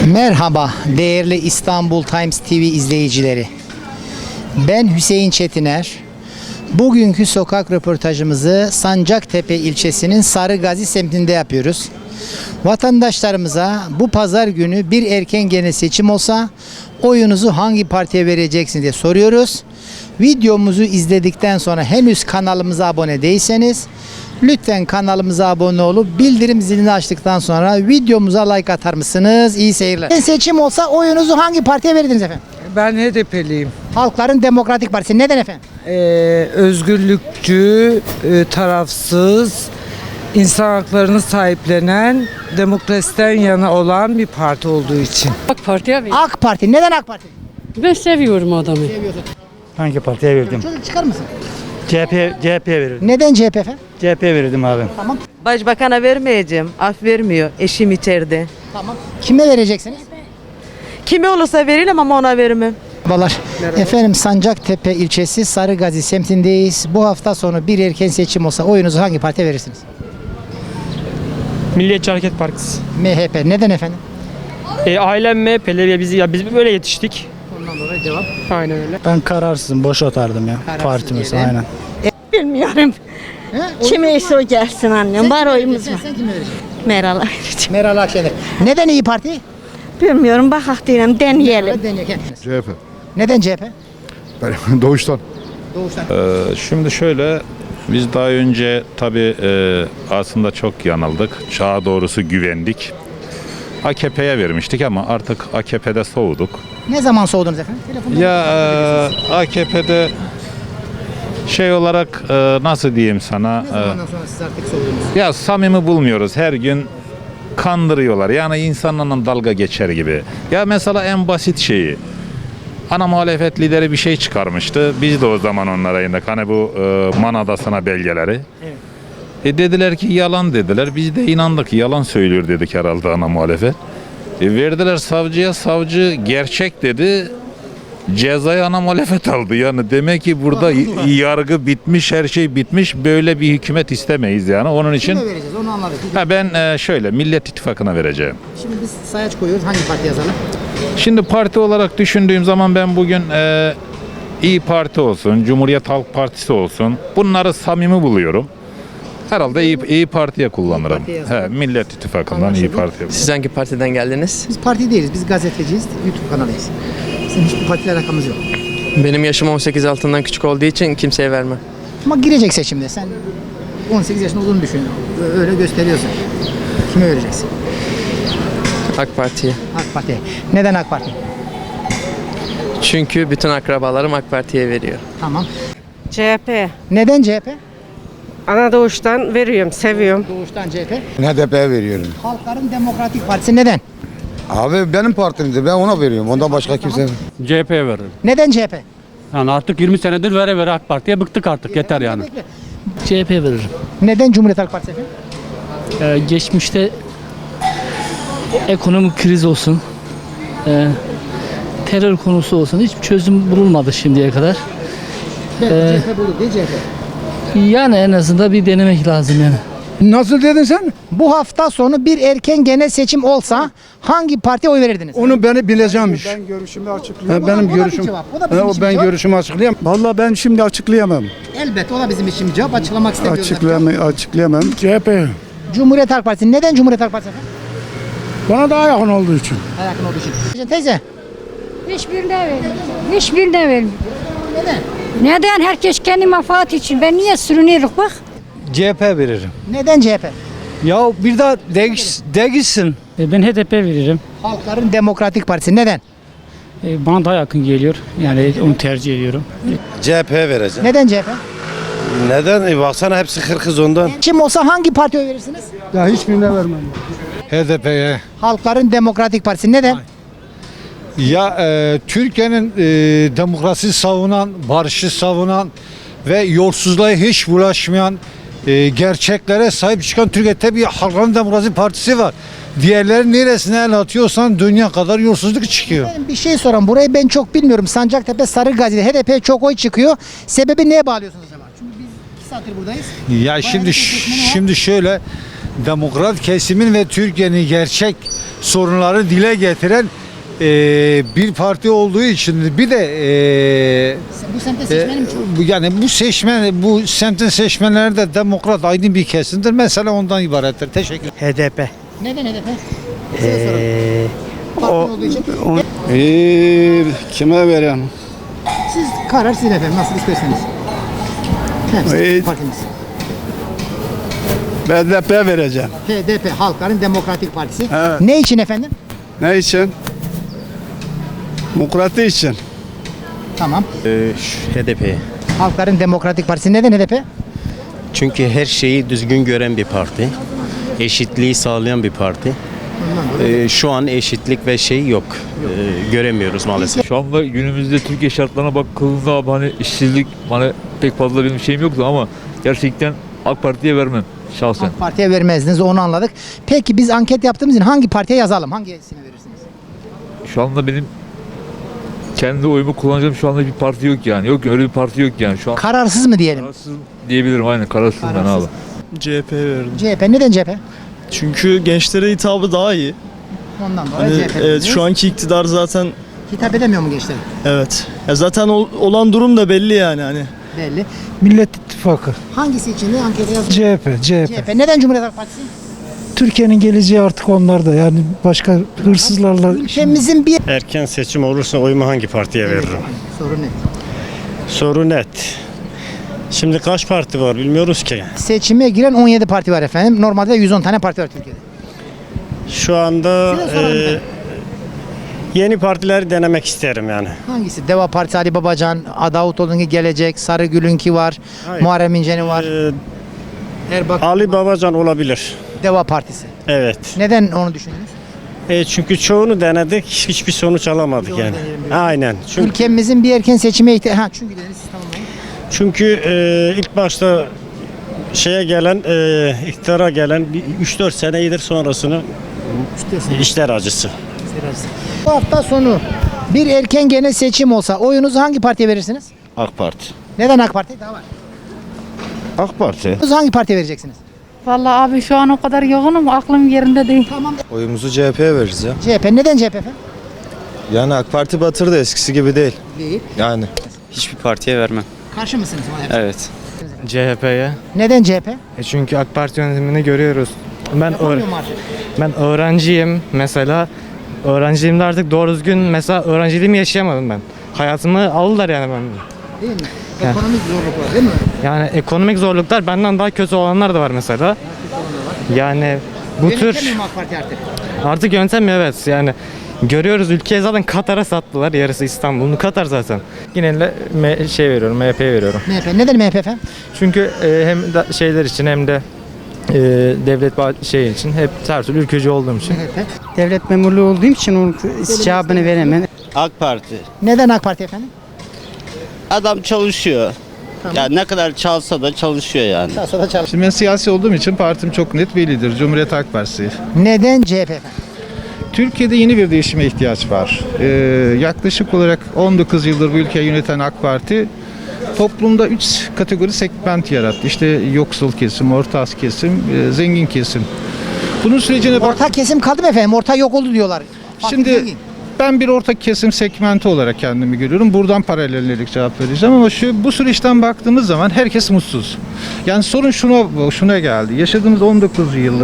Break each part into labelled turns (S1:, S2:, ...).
S1: Merhaba değerli İstanbul Times TV izleyicileri. Ben Hüseyin Çetiner. Bugünkü sokak röportajımızı Sancaktepe ilçesinin Sarıgazi semtinde yapıyoruz. Vatandaşlarımıza bu pazar günü bir erken genel seçim olsa oyunuzu hangi partiye vereceksiniz diye soruyoruz. Videomuzu izledikten sonra henüz kanalımıza abone değilseniz lütfen kanalımıza abone olup bildirim zilini açtıktan sonra videomuza like atar mısınız? İyi seyirler. Seçim olsa oyunuzu hangi partiye verirdiniz efendim?
S2: Ben HDP'liyim.
S1: Halkların Demokratik Partisi. Neden efendim?
S2: Özgürlükçü, tarafsız, insan haklarını sahiplenen, demokrasiden yana olan bir parti olduğu için.
S3: AK Parti'ye verdim.
S1: AK Parti. Neden AK Parti?
S3: Ben seviyorum adamı.
S1: Seviyorsun.
S4: Hangi partiye verdim?
S1: Çocuk çıkar mısın?
S4: CHP verirdim.
S1: Neden CHP efendim?
S4: CHP verirdim abi.
S1: Tamam.
S5: Başbakan'a vermeyeceğim. Af vermiyor. Eşim içeride.
S1: Tamam. Kime vereceksiniz?
S5: Kime olursa veririm ama ona vermem.
S1: Merhabalar. Efendim Sancaktepe ilçesi Sarıgazi semtindeyiz. Bu hafta sonu bir erken seçim olsa oyunuzu hangi partiye verirsiniz?
S6: Milliyetçi Hareket Partisi.
S1: MHP. Neden efendim?
S6: Ailem MHP'li biz böyle yetiştik.
S1: Ondan dolayı cevap.
S6: Aynen öyle.
S4: Ben kararsızım. Boş atardım ya.
S1: Kararsız
S4: Partimiz
S1: diyelim.
S4: aynen.
S7: Bilmiyorum. Kime ise o gelsin annem. Var oyumuz var.
S1: Sen kime vereceksin?
S7: Meral'a vereceğim.
S1: Meral Akşener. Neden İyi Parti?
S7: Bilmiyorum. Bakak diyelim. Deneyelim.
S1: CHP.
S8: CHP.
S1: Neden CHP?
S8: Ben doğuştan.
S1: Doğuştan.
S9: Şimdi şöyle, biz daha önce tabii aslında çok yanıldık. Çağa doğrusu güvendik. AKP'ye vermiştik ama artık AKP'de soğuduk.
S1: Ne zaman soğudunuz efendim? Telefonda
S9: Ya AKP'de şey olarak nasıl diyeyim sana?
S1: ne zamandan sonra siz artık soğudunuz?
S9: Ya samimi bulmuyoruz. Her gün kandırıyorlar. Yani insanlarla dalga geçer gibi. Ya mesela en basit şeyi. Ana muhalefet lideri bir şey çıkarmıştı. Biz de o zaman onlara indik. Hani bu Man Adası'na belgeleri.
S1: Evet.
S9: Dediler ki yalan dediler. Biz de inandık. Yalan söylüyor dedik herhalde ana muhalefet. Verdiler savcıya. Savcı gerçek dedi. Cezayı ana muhalefet aldı. Yani demek ki burada yargı bitmiş, her şey bitmiş. Böyle bir hükümet istemeyiz yani. Onun için
S1: Kime vereceğiz onu anladık.
S9: ben şöyle Millet İttifakı'na vereceğim.
S1: Şimdi biz sayaç koyuyoruz. Hangi parti yazalım?
S9: Şimdi parti olarak düşündüğüm zaman ben bugün İyi Parti olsun, Cumhuriyet Halk Partisi olsun. Bunları samimi buluyorum. Herhalde İyi Parti'ye kullanırım.
S1: Partiye yazalım.
S9: Millet İttifakı'ndan İyi Parti'ye.
S10: Siz hangi partiden geldiniz?
S1: Biz parti değiliz. Biz gazeteciyiz. YouTube kanalıyız. Bizim hiçbir partiyle alakamız yok.
S10: Benim yaşım 18 altından küçük olduğu için kimseye vermem.
S1: Ama girecek seçimde. Sen 18 yaşında olduğunu düşün. Öyle gösteriyorsun. Kime vereceksin?
S10: AK Parti'ye.
S1: AK Parti. Neden AK Parti?
S10: Çünkü bütün akrabalarım AK Parti'ye veriyor.
S1: Tamam.
S3: CHP.
S1: Neden CHP?
S3: Ana doğuştan veriyorum, seviyorum.
S1: Doğuştan CHP.
S8: HDP'ye veriyorum.
S1: Halkların Demokratik Partisi neden?
S8: Abi benim partimdi. Ben ona veriyorum. Ondan başka kimse.
S4: CHP'ye veririm.
S1: Neden CHP?
S4: Yani artık 20 senedir vere AK Parti'ye bıktık artık. Yeter yani.
S11: CHP veririm.
S1: Neden Cumhuriyet Halk Partisi efendim?
S11: Geçmişte ekonomik kriz olsun, terör konusu olsun hiçbir çözüm bulunmadı şimdiye kadar.
S1: CHP bulur değil CHP.
S11: Yani en azından bir denemek lazım yani.
S2: Nasıl dedin sen?
S1: Bu hafta sonu bir erken genel seçim olsa hangi partiye oy verirdiniz?
S2: Onu beni bileceğimmiş.
S4: Ben görüşümü açıklayamam.
S2: Benim
S1: O da bir
S2: görüşüm.
S1: cevap, o da bizim için bir
S2: Ben
S1: cevap.
S2: görüşümü açıklayamam.
S4: Vallahi ben şimdi açıklayamam.
S1: Elbette o da bizim için bir cevap. Açıklamak istemiyoruz.
S4: Açıklayamam. CHP.
S1: Cumhuriyet Halk Partisi. Neden Cumhuriyet Halk Partisi efendim?
S4: Bana daha yakın olduğu için.
S1: Yakın olduğu için. Teyze.
S12: Hiçbirine vermiyorum. Hiçbirine vermiyorum.
S1: Neden?
S12: Neden? Herkes kendi menfaat için. Ben niye sürünüyorum bak.
S4: CHP veririm.
S1: Neden CHP?
S4: Ya bir daha değişsin.
S11: Ben HDP veririm.
S1: Halkların Demokratik Partisi. Neden?
S11: Bana daha yakın geliyor. Yani onu tercih ediyorum.
S8: CHP'ye vereceğim.
S1: Neden CHP?
S8: Neden? Baksana hepsi kırkız ondan.
S1: Kim olsa hangi partiye oy verirsiniz?
S4: Ya hiçbirine vermem. HDP'ye.
S1: Halkların Demokratik Partisi. Neden?
S4: Ya Türkiye'nin demokrasi savunan, barışı savunan ve yolsuzluğa hiç bulaşmayan, gerçeklere sahip çıkan Türkiye'de bir Halkların Demokrasi Partisi var. Diğerleri neresine el atıyorsan dünya kadar yolsuzluk çıkıyor.
S1: Benim bir şey soran. Burayı ben çok bilmiyorum. Sancaktepe, Sarıgazi'de HDP'ye çok oy çıkıyor. Sebebi neye bağlıyorsunuz acaba? Çünkü biz 2 saattir buradayız.
S4: Ya şimdi şöyle demokrat kesimin ve Türkiye'nin gerçek sorunları dile getiren bir parti olduğu için bir de
S1: Bu semtte seçmenim çok.
S4: bu semtin seçmenleri de demokrat aydın bir kesimdir. Mesela ondan ibarettir. Teşekkür ederim.
S6: HDP.
S1: Neden HDP? Size soralım. Parti olduğu için.
S8: Kime vereyim?
S1: Siz karar sizin efendim. Nasıl isterseniz. Hepsi partimiz.
S8: BDP vereceğim.
S1: HDP, Halkların Demokratik Partisi.
S8: Evet.
S1: Ne için efendim?
S8: Ne için? Demokrati için.
S1: Tamam.
S13: HDP.
S1: Halkların Demokratik Partisi. Neden HDP?
S13: Çünkü her şeyi düzgün gören bir parti. Eşitliği sağlayan bir parti. Şu an eşitlik ve şey yok. Göremiyoruz maalesef.
S6: Şu anda günümüzde Türkiye şartlarına bakıldığında abi hani işsizlik hani pek fazla benim şeyim yoktu ama gerçekten AK Parti'ye vermem şahsen.
S1: AK Parti'ye vermezdiniz, onu anladık. Peki biz anket yaptığımız için hangi partiye yazalım? Hangisini verirsiniz?
S6: Şu anda benim kendi oyumu kullanacağım şu anda bir parti yok yani. Yok öyle bir parti yok yani şu an.
S1: Kararsız mı diyelim?
S6: Kararsız diyebilirim aynen kararsızım ben
S1: Kararsız.
S6: abi.
S11: CHP verdim.
S1: CHP. Neden CHP?
S11: Çünkü gençlere hitabı daha iyi.
S1: Ondan dolayı CHP. diyorsunuz.
S11: anki iktidar zaten
S1: Hitap edemiyor mu gençler?
S11: evet. Ya zaten olan durum da belli yani hani.
S1: Belli.
S2: Millet İttifakı.
S1: Hangisi için de ankete yazın?
S2: CHP.
S1: Neden Cumhuriyet Halk Partisi?
S2: Türkiye'nin geleceği artık onlarda. Yani başka hırsızlarla
S1: Ülkemizin bir...
S13: Erken seçim olursa oyumu hangi partiye veririm?
S1: Sorun ne?
S13: Soru net. Şimdi kaç parti var bilmiyoruz ki.
S1: Seçime giren 17 parti var efendim. Normalde 110 tane parti var Türkiye'de.
S13: Şu anda
S1: Size soralım efendim.
S13: yeni partileri denemek isterim yani.
S1: Hangisi? Deva Partisi, Ali Babacan, Davutoğlu'nun Gelecek, Sarıgül'ünki var,
S13: Hayır.
S1: Muharrem İnce'nin var, Erbakan,
S13: Ali Babacan olabilir.
S1: Deva Partisi.
S13: Evet.
S1: Neden onu düşündünüz?
S13: Çünkü çoğunu denedik, hiçbir sonuç alamadık
S1: Çoğunu
S13: yani.
S1: deneyelim diyorsun.
S13: Aynen.
S1: Ülkemizin bir erken seçime ihtiyacı... Çünkü dediniz siz tamamlayın.
S13: Çünkü ilk başta iktidara gelen 3-4 sene iyidir sonrasını işler acısı.
S1: Bu hafta sonu bir erken genel seçim olsa oyunuzu hangi partiye verirsiniz?
S8: AK Parti.
S1: Neden AK Parti? Daha var.
S8: AK Parti.
S1: Oyunuzu hangi partiye vereceksiniz?
S12: Vallahi abi şu an o kadar yoğunum aklım yerinde değil.
S1: Tamam.
S8: Oyumuzu CHP'ye veririz ya.
S1: CHP. Neden CHP efendim?
S8: Yani AK Parti batırdı, eskisi gibi değil.
S1: Değil.
S8: Yani.
S10: Hiçbir partiye vermem.
S1: Karşı mısınız?
S10: Evet. CHP'ye.
S1: Neden CHP?
S10: Çünkü AK Parti yönetimini görüyoruz.
S1: Yapamıyor mu artık?
S10: Ben öğrenciyim mesela. Öğrenciliğimde artık doğru düzgün mesela öğrenciliğimi yaşayamadım ben. Hayatımı aldılar yani ben.
S1: Değil mi? Ekonomik zorluklar değil mi?
S10: Yani ekonomik zorluklar benden daha kötü olanlar da var mesela. Yani bu tür
S1: Yönetemiyor mu AK Parti artık?
S10: yöntemiyor evet yani. Görüyoruz ülkeyi zaten Katar'a sattılar. Yarısı İstanbul'un Katar zaten. Yine de veriyorum, MHP'ye veriyorum.
S1: MHP. Neden MHP efendim?
S10: Çünkü hem de şeyler için hem de devlet için hep her türlü ülkücü olduğum için.
S1: MHP.
S2: Devlet memurluğu olduğum için onun cevabını veremem.
S13: AK Parti.
S1: Neden AK Parti efendim?
S13: Adam çalışıyor.
S1: Tamam.
S13: Ya ne kadar çalsa da çalışıyor yani.
S1: Sağ sola çalış.
S4: Şimdi ben siyasi olduğum için partim çok net bellidir. Cumhuriyet Halk Partisi.
S1: Neden CHP efendim?
S4: Türkiye'de yeni bir değişime ihtiyaç var. Yaklaşık olarak 19 yıldır bu ülkeyi yöneten AK Parti toplumda 3 kategori segment yarattı. İşte yoksul kesim, orta kesim, zengin kesim. Bunun sürecine bak.
S1: Orta kesim kaldı mı efendim? Orta yok oldu diyorlar.
S4: Şimdi
S1: Zengin.
S4: ben bir orta kesim segmenti olarak kendimi görüyorum. Buradan paralellik cevap vereceğim ama bu süreçten baktığımız zaman herkes mutsuz. Yani sorun şuna geldi. Yaşadığımız 19 yıllık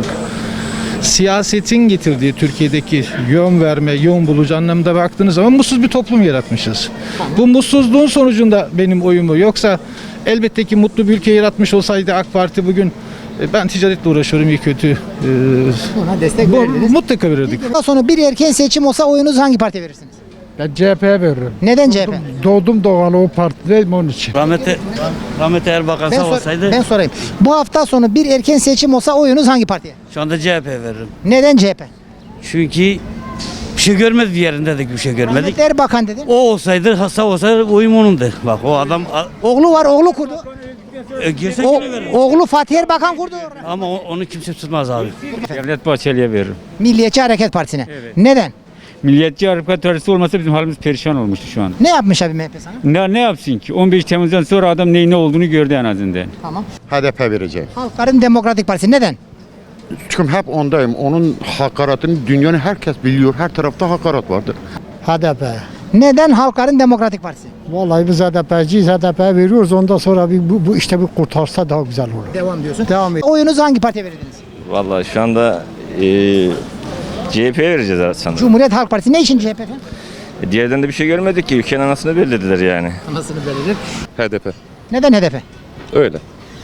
S4: siyasetin getirdiği Türkiye'deki yön verme, yön bulucu anlamda baktığınız zaman mutsuz bir toplum yaratmışız. Bu mutsuzluğun sonucunda benim oyumu, yoksa elbette ki mutlu bir ülke yaratmış olsaydı AK Parti bugün ben ticaretle uğraşıyorum iyi kötü.
S1: Buna destek verirdiniz.
S4: Mutlaka verirdik.
S1: Daha sonra bir erken seçim olsa oyunuzu hangi partiye verirsiniz?
S2: Ben CHP'ye veririm.
S1: Neden CHP?
S2: Doğdum doğalı o partideyim onun için.
S13: Rahmetli Erbakan
S1: Ben sorayım. Bu hafta sonu bir erken seçim olsa oyunuz hangi partiye?
S13: şu anda CHP veririm.
S1: Neden CHP?
S13: Çünkü bir şey görmedik, bir yerinde de bir şey görmedik.
S1: Ahmet Erbakan dedin.
S13: O olsaydı, hasta olsaydı oyum onundur. Bak o adam
S1: Oğlu var, oğlu kurdu.
S13: girse
S1: O,
S13: yine veririm.
S1: oğlu Fatih Erbakan kurdu.
S13: Ama onu kimse tutmaz abi.
S6: Devlet Bahçeli'ye veririm.
S1: Milliyetçi Hareket Partisi'ne. Neden?
S6: Milliyetçi Hareket Partisi olmasa bizim halimiz perişan olmuştu şu an.
S1: Ne yapmış abi MHP sana?
S6: Ne yapsın ki? 15 Temmuz'dan sonra adam neyin ne olduğunu gördü en azından.
S1: Tamam.
S8: HDP vereceğim.
S1: Halkların Demokratik Partisi. Neden?
S8: çünkü hep ondayım. Onun hakaretini dünyanın herkes biliyor. Her tarafta hakaret vardır.
S1: HDP. Neden Halkların Demokratik Partisi?
S11: Vallahi biz HDP'ciyiz. HDP'ye veriyoruz. Ondan sonra bu işte bir kurtarsa daha güzel olur.
S1: Devam diyorsun.
S11: Devam et.
S1: Oyunuzu hangi partiye verirdiniz?
S6: Vallahi şu anda CHP'ye vereceğiz sanırım.
S1: Cumhuriyet Halk Partisi. Ne için CHP efendim?
S6: Diğerden de bir şey görmedik ki. Ülkenin anasını belirlediler yani.
S1: Anasını belirlir.
S8: HDP.
S1: Neden HDP?
S8: Öyle.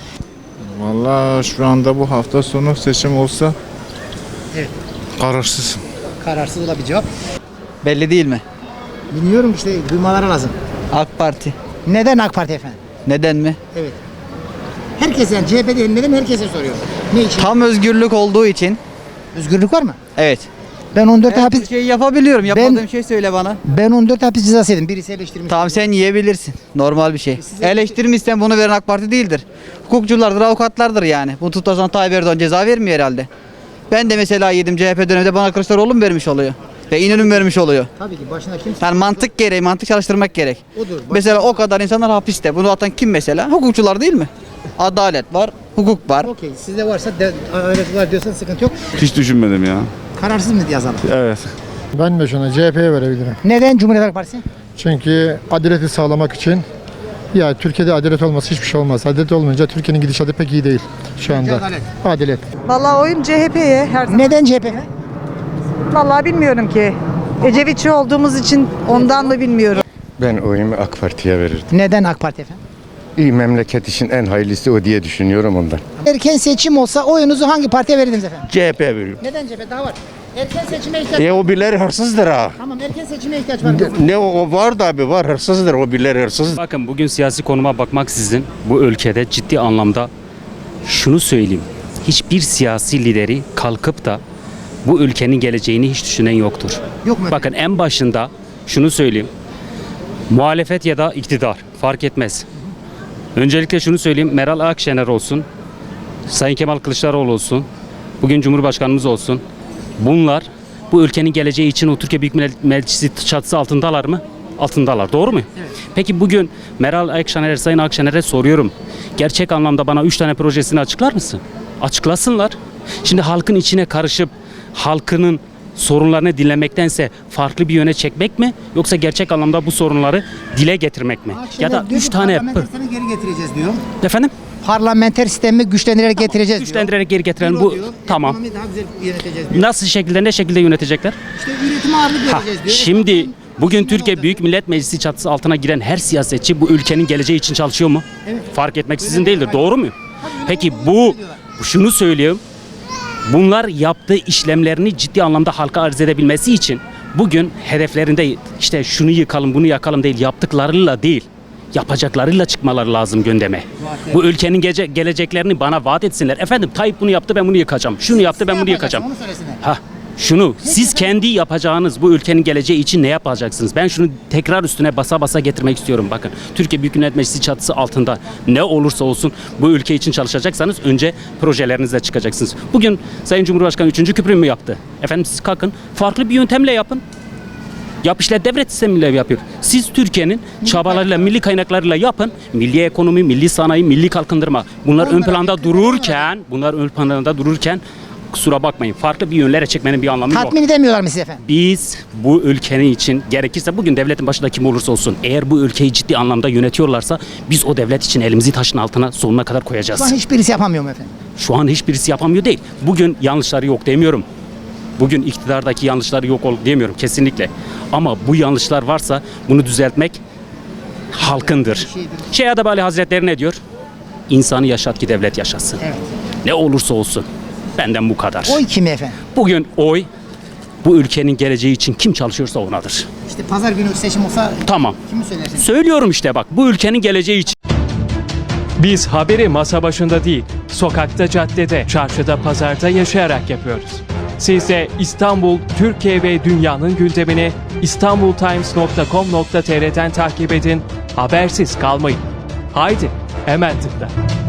S9: Vallahi şu anda bu hafta sonu seçim olsa
S1: Evet.
S9: kararsız.
S1: Kararsız da bir cevap.
S11: Belli değil mi?
S1: Bilmiyorum işte duymaları lazım.
S11: AK Parti.
S1: Neden AK Parti efendim?
S11: Neden mi?
S1: Evet. Herkes yani CHP değil neden herkese soruyor. Ne için?
S11: Tam özgürlük olduğu için.
S1: Özgürlük var mı?
S11: Evet.
S1: Ben 14 hapis
S11: Şeyi yapabiliyorum.
S1: Yapmadığım
S11: şey söyle bana.
S1: ben 14 hapis cezası yedim. Birisi eleştirmiş.
S11: Tamam sen yiyebilirsin. Normal bir şey. Eleştirmişsen bunu veren AK Parti değildir. Hukukçulardır, avukatlardır yani. Bu tutarsan Tayyip Erdoğan ceza vermiyor herhalde. Ben de mesela yedim CHP döneminde bana Kılıçdaroğlu mu vermiş oluyor? Ve İnönü mü vermiş oluyor?
S1: Tabii ki başına kimse.
S11: Yani mantık gereği, mantık çalıştırmak gerek.
S1: Odur.
S11: Mesela o kadar insanlar hapiste. Bunu atan kim mesela? Hukukçular değil mi? Adalet var, hukuk var.
S1: Okey. Sizde varsa adalet var diyorsan sıkıntı yok.
S8: Hiç düşünmedim ya.
S1: Kararsız mı yazalım?
S8: Evet.
S11: Ben de şuna CHP'ye verebilirim.
S1: Neden Cumhuriyet Halk Partisi?
S11: Çünkü adaleti sağlamak için ya Türkiye'de adalet olmasa hiçbir şey olmaz. Adalet olmayınca Türkiye'nin gidişatı pek iyi değil şu anda.
S1: Adalet.
S11: Adalet.
S5: Vallahi oyum CHP'ye her zaman.
S1: Neden CHP?
S5: Vallahi bilmiyorum ki. Ecevitçi olduğumuz için ondan mı bilmiyorum.
S8: Ben oyumu AK Parti'ye verirdim.
S1: Neden AK Parti efendim?
S8: İyi memleket için en hayırlısı o diye düşünüyorum ondan.
S1: Erken seçim olsa oyunuzu hangi partiye verirdiniz efendim?
S8: CHP'ye veriyorum.
S1: Neden CHP? Daha var. Erken seçime ihtiyaç var.
S8: O birileri hırsızdır ha.
S1: Tamam erken seçime ihtiyaç var.
S8: Ne o var da abi var hırsızdır o birileri hırsız.
S10: Bakın bugün siyasi konuma bakmaksızın bu ülkede ciddi anlamda şunu söyleyeyim. Hiçbir siyasi lideri kalkıp da bu ülkenin geleceğini hiç düşünen yoktur.
S1: Yok mu?
S10: Bakın en başında şunu söyleyeyim. Muhalefet ya da iktidar fark etmez. Öncelikle şunu söyleyeyim. Meral Akşener olsun, Sayın Kemal Kılıçdaroğlu olsun, bugün Cumhurbaşkanımız olsun. Bunlar bu ülkenin geleceği için o Türkiye Büyük Millet Meclisi çatısı altındalar mı? Altındalar. Doğru mu? Evet. Peki bugün Meral Akşener, Sayın Akşener'e soruyorum. Gerçek anlamda bana 3 tane projesini açıklar mısın? Açıklasınlar. Şimdi halkın içine karışıp halkının sorunlarını dinlemektense farklı bir yöne çekmek mi? Yoksa gerçek anlamda bu sorunları dile getirmek mi? Ya da 3 tane...
S1: Parlamenter sistemi geri getireceğiz diyor.
S10: Efendim?
S1: Parlamenter sistemi güçlendirerek getireceğiz diyor.
S10: Güçlendirerek geri getirelim. Bu
S1: Diyor,
S10: tamam.
S1: Ekonomiyi daha güzel yöneteceğiz diyor.
S10: Nasıl şekilde, ne şekilde yönetecekler?
S1: İşte üretime ağırlık vereceğiz diyor.
S10: Şimdi bugün
S1: Esnafın
S10: Türkiye
S1: olacak.
S10: Büyük Millet Meclisi çatısı altına giren her siyasetçi bu ülkenin geleceği için çalışıyor mu?
S1: Evet.
S10: Fark etmeksizin değildir. Doğru mu? Peki bu şunu söyleyeyim. Bunlar yaptığı işlemlerini ciddi anlamda halka arz edebilmesi için bugün hedeflerinde işte şunu yıkalım, bunu yakalım değil, yaptıklarıyla değil, yapacaklarıyla çıkmaları lazım gündeme. Bu ülkenin geleceklerini bana vaat etsinler. Efendim Tayyip bunu yaptı, ben bunu yıkacağım. Şunu yaptı, ben bunu yıkacağım.
S1: Onu söylesinler.
S10: Şunu siz kendi yapacağınız bu ülkenin geleceği için ne yapacaksınız? Ben şunu tekrar üstüne basa basa getirmek istiyorum. Bakın Türkiye Büyük Millet Meclisi çatısı altında ne olursa olsun bu ülke için çalışacaksanız önce projelerinizle çıkacaksınız. Bugün Sayın Cumhurbaşkanı 3. köprü mü yaptı? Efendim siz kalkın farklı bir yöntemle yapın. Yap işte devlet sistemiyle yapıyor. Siz Türkiye'nin çabalarıyla, milli kaynaklarıyla yapın. Milli ekonomi, milli sanayi, milli kalkındırma. Bunlar ön planda dururken kusura bakmayın. Farklı bir yönlere çekmenin bir anlamı yok.
S1: Tatmin edemiyorlar mı siz efendim?
S10: Biz bu ülkenin için gerekirse bugün devletin başında kim olursa olsun eğer bu ülkeyi ciddi anlamda yönetiyorlarsa biz o devlet için elimizi taşın altına sonuna kadar koyacağız.
S1: Şu an hiçbirisi yapamıyor mu efendim?
S10: Şu an hiçbirisi yapamıyor değil. Bugün yanlışları yok demiyorum. Bugün iktidardaki yanlışları yok demiyorum kesinlikle. Ama bu yanlışlar varsa bunu düzeltmek halkındır. Şeyh Adabali Hazretleri ne diyor? İnsanı yaşat ki devlet yaşasın.
S1: Evet.
S10: Ne olursa olsun. Benden bu kadar.
S1: Oy kime efendim?
S10: Bugün oy bu ülkenin geleceği için kim çalışıyorsa onadır.
S1: İşte pazar günü seçim olsa
S10: Tamam.
S1: kimi söylersin?
S10: Söylüyorum işte bak bu ülkenin geleceği için.
S14: Biz haberi masa başında değil, sokakta, caddede, çarşıda, pazarda yaşayarak yapıyoruz. Siz de İstanbul, Türkiye ve dünyanın gündemini istanbultimes.com.tr'den takip edin, habersiz kalmayın. Haydi, hemen tıkla.